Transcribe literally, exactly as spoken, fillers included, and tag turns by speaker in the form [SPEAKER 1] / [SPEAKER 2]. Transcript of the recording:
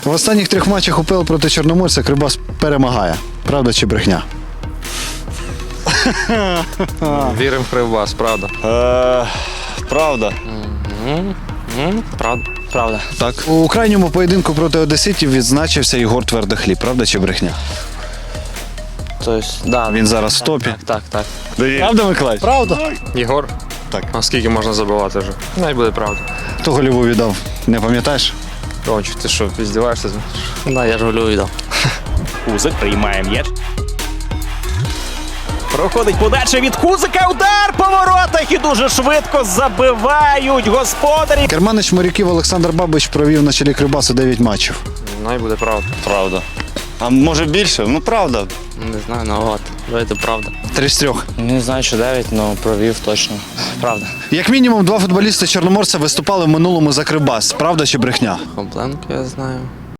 [SPEAKER 1] В останніх трьох матчах УПЛ проти Чорноморця Кривбас перемагає. Правда чи брехня?
[SPEAKER 2] Віримо в Кривбас, правда.
[SPEAKER 3] Е, правда.
[SPEAKER 2] Правда. Правда.
[SPEAKER 1] Так. У крайньому поєдинку проти одеситів відзначився Єгор Твердохліб. Правда чи брехня?
[SPEAKER 2] Тобто, да.
[SPEAKER 1] Він зараз в топі.
[SPEAKER 2] Так, так.
[SPEAKER 1] Правда, Миколаївич? Правда.
[SPEAKER 2] Єгор?
[SPEAKER 1] Так.
[SPEAKER 2] А скільки можна забивати вже? Най буде правда.
[SPEAKER 1] Хто гольову віддав? Не пам'ятаєш?
[SPEAKER 2] Ромчик, ти що, піздіваєшся? Да, я ж голю віддав.
[SPEAKER 4] Кузик приймає м'яч. Проходить подача від Кузика. Удар по воротах і дуже швидко забивають господарі.
[SPEAKER 1] Керманич моряків Олександр Бабич провів на чолі Кривбасу дев'ять матчів.
[SPEAKER 2] Най буде правда.
[SPEAKER 3] Правда. А може більше? Ну правда.
[SPEAKER 2] Не знаю, ну от. Давайте правда.
[SPEAKER 1] Три з трьох.
[SPEAKER 2] Не знаю, що дев'ять, але провів точно. Правда.
[SPEAKER 1] Як мінімум, два футболісти Чорноморця виступали в минулому за Кривбас. Правда чи брехня?
[SPEAKER 2] Хобленко я знаю.